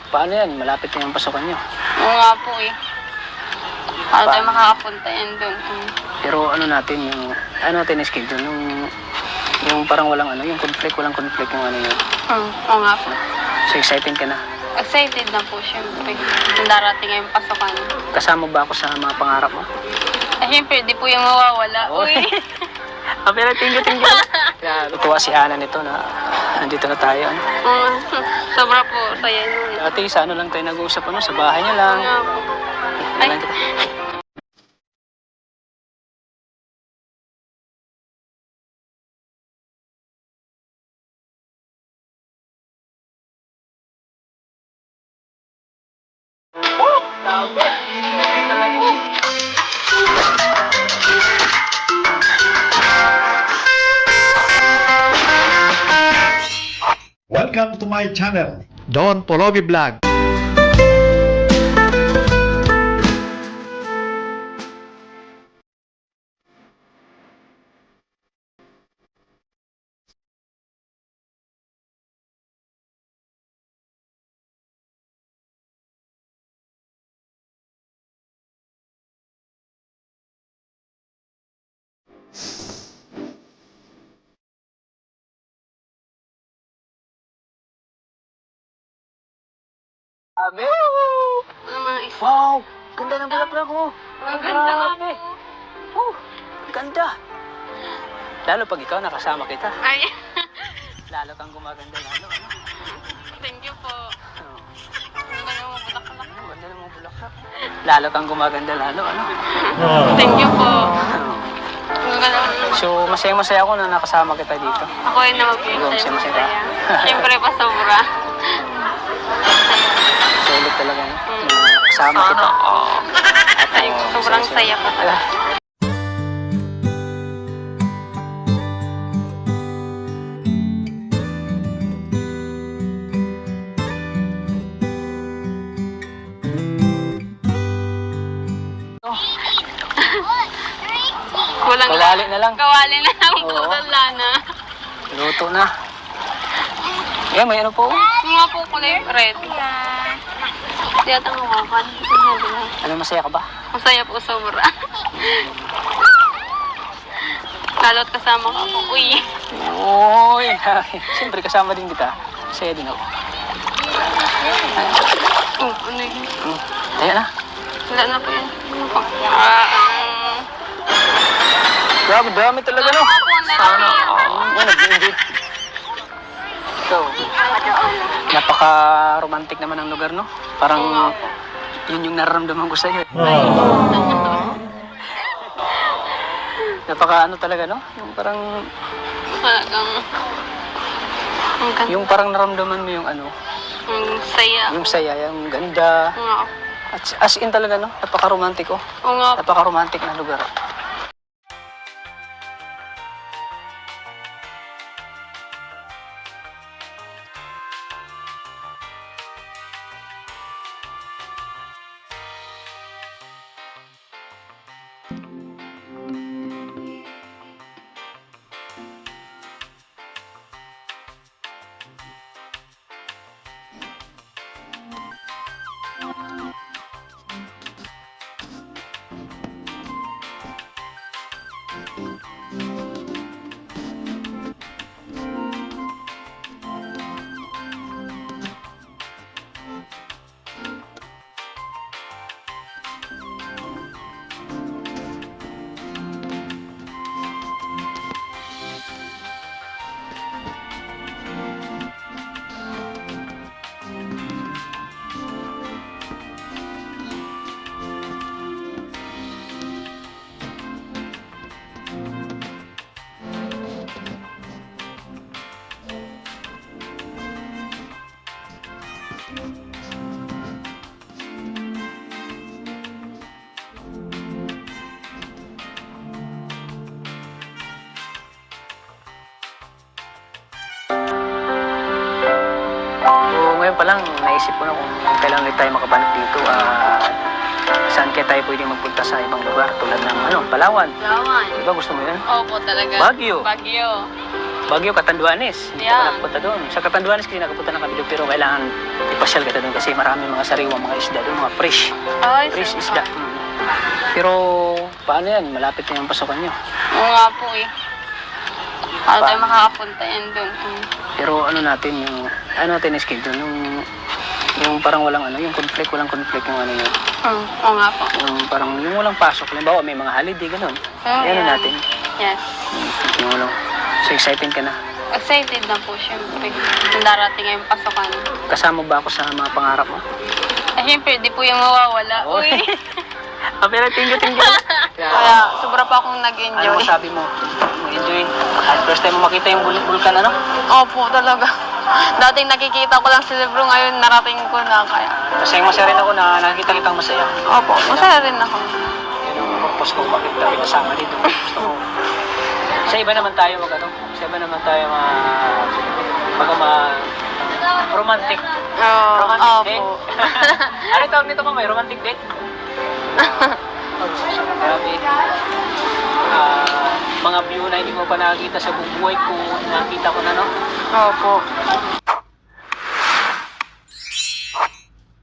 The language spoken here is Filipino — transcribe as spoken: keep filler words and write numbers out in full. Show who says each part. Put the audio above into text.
Speaker 1: paano yan? Malapit na yung pasukan nyo.
Speaker 2: Oo nga po eh. Paano tayo makakapunta yan doon? Hmm.
Speaker 1: Pero ano natin yung, ano natin schedule, yung, yung parang walang ano, yung conflict, walang conflict yung ano yun.
Speaker 2: Hmm. Oo nga po.
Speaker 1: So excited ka na?
Speaker 2: Excited na po syempre. Yung darating ngayong pasukan.
Speaker 1: Kasama ba ako sa mga pangarap mo?
Speaker 2: Eh syempre, di po yung mawawala.
Speaker 1: Oo.
Speaker 2: Uy.
Speaker 1: Ah, pero tinggo, tinggo. Kaya tuwa si Ana nito na nandito na tayo. Ano?
Speaker 2: Hmm. Sobra po saya nun.
Speaker 1: Dati sa ano lang tayo nag-uusap, ano, sa bahay niya lang.
Speaker 2: Oo nga po.
Speaker 1: Ay.
Speaker 2: Ay.
Speaker 3: Welcome to my channel, Don Polovi Vlog.
Speaker 1: Sabi!
Speaker 2: Ano mga isa?
Speaker 1: Wow! Ganda ng bulaklak ko!
Speaker 2: Ang ganda nga po.
Speaker 1: Oh, ganda! Lalo pag ikaw nakasama kita,
Speaker 2: Ay.
Speaker 1: lalo kang gumaganda lalo. Ano?
Speaker 2: Thank you po.
Speaker 1: Oh,
Speaker 2: Ang ganda mo bulaklak.
Speaker 1: ang ganda ng mga bulaklak. Lalo kang gumaganda lalo. Ano?
Speaker 2: Thank you po.
Speaker 1: Oh.
Speaker 2: Ang ganda mo.
Speaker 1: So, masaya-masaya ako na nakasama kita dito.
Speaker 2: Ako ay naman po yung
Speaker 1: Ikaw,
Speaker 2: sayo
Speaker 1: masaya-masaya
Speaker 2: masaya.
Speaker 1: ka.
Speaker 2: Siyempre pa sobra.
Speaker 1: Sulit talaga, no?
Speaker 2: Mm.
Speaker 1: Na kasama kita.
Speaker 2: Oo.
Speaker 1: At,
Speaker 2: Ay,
Speaker 1: oh,
Speaker 2: sobrang
Speaker 1: masaya-masaya.
Speaker 2: saya po talaga.
Speaker 1: Oh,
Speaker 2: Kulang
Speaker 1: kawali na lang.
Speaker 2: Kawali na lang po.
Speaker 1: Oo.
Speaker 2: Wala na.
Speaker 1: Luto na. Yeah, may ano po.
Speaker 2: Yung nga po kulay red. Hindi ata mawakan.
Speaker 1: Ano, masaya ka ba?
Speaker 2: Masaya po sobra. Lalo't kasama ka po. Uy.
Speaker 1: Uy! Siyempre, kasama din kita. Masaya din ako.
Speaker 2: Oh, ano yun?
Speaker 1: Hmm. Kaya na.
Speaker 2: Wala na po yun. Ano po? Ah, um,
Speaker 1: Grabe, dami talaga, no?
Speaker 2: Sana po,
Speaker 1: Sana.
Speaker 2: nalaki.
Speaker 1: Yan, nag-enjoy. Ikaw, napaka-romantic naman ang lugar, no? Parang yun yung nararamdaman ko sa'yo. Napaka ano talaga, no? Yung parang,
Speaker 2: Talagang, ang ganda.
Speaker 1: yung parang naramdaman mo yung ano,
Speaker 2: Ang saya.
Speaker 1: yung saya, yung ganda.
Speaker 2: Oo nga.
Speaker 1: At as in talaga, no? Napaka-romantic, oh.
Speaker 2: Oo nga.
Speaker 1: Napaka-romantic na lugar. ngayon pa lang, naisip ko na kung kailan ulit tayo makabalik dito. Uh, saan kaya tayo pwede magpunta sa ibang lugar tulad ng ano, Palawan.
Speaker 2: Palawan.
Speaker 1: Diba gusto mo yun?
Speaker 2: Opo talaga.
Speaker 1: Baguio.
Speaker 2: Baguio.
Speaker 1: Baguio, Catanduanes. Hindi ka
Speaker 2: Yeah.
Speaker 1: pa nakapunta doon. Sa Catanduanes kasi nakapunta ng kabilo, pero kailangan ipasyal kita doon kasi marami mga sariwang mga isda doon, mga fresh.
Speaker 2: Ay,
Speaker 1: Fresh
Speaker 2: sir.
Speaker 1: isda. Mm. Pero paano yan? Malapit na yung pasukan nyo.
Speaker 2: Oo nga po eh. Paano tayo makakapunta yan doon? Hmm.
Speaker 1: Pero ano natin yung, ano natin yung schedule, yung, yung parang walang ano, yung conflict, walang conflict yung ano yun.
Speaker 2: Hmm. Oo nga po.
Speaker 1: Yung parang, yung walang pasok. Halimbawa, may mga holiday, ganun.
Speaker 2: Oh,
Speaker 1: Yan
Speaker 2: yeah.
Speaker 1: natin.
Speaker 2: Yes.
Speaker 1: Yung walang, so excited ka na.
Speaker 2: Excited na po, syempre. Yung darating ngayong pasukan.
Speaker 1: Kasama ba ako sa mga pangarap mo?
Speaker 2: Eh, syempre, di po yung mawawala.
Speaker 1: Oo.
Speaker 2: Uy.
Speaker 1: Ah, pero tingyo-tingyo.
Speaker 2: Kaya, sobra pa akong
Speaker 1: Ano
Speaker 2: nag-enjoy.
Speaker 1: masabi mo? Enjoy. At first time mo makita yung bul- vulkan, ano?
Speaker 2: Opo, talaga. Dating nakikita ko lang sa libro, ngayon narating ko na. Kaya,
Speaker 1: Masayang masaya rin ako na nakikita kitang masaya.
Speaker 2: opo, masaya rin ako.
Speaker 1: Yan ang purpose ko, bakit kami nasama dito. Gusto ko. Sa iba naman tayo mag ano? Sa iba naman tayo ma... Baga ma... Romantic.
Speaker 2: Oo,
Speaker 1: Romantic
Speaker 2: opo.
Speaker 1: date. Ano tawag nito pa may romantic date? Grabe. Ah, mga view na hindi ko pa nakikita sa buong buhay ko, nakita ko na, no?
Speaker 2: Opo.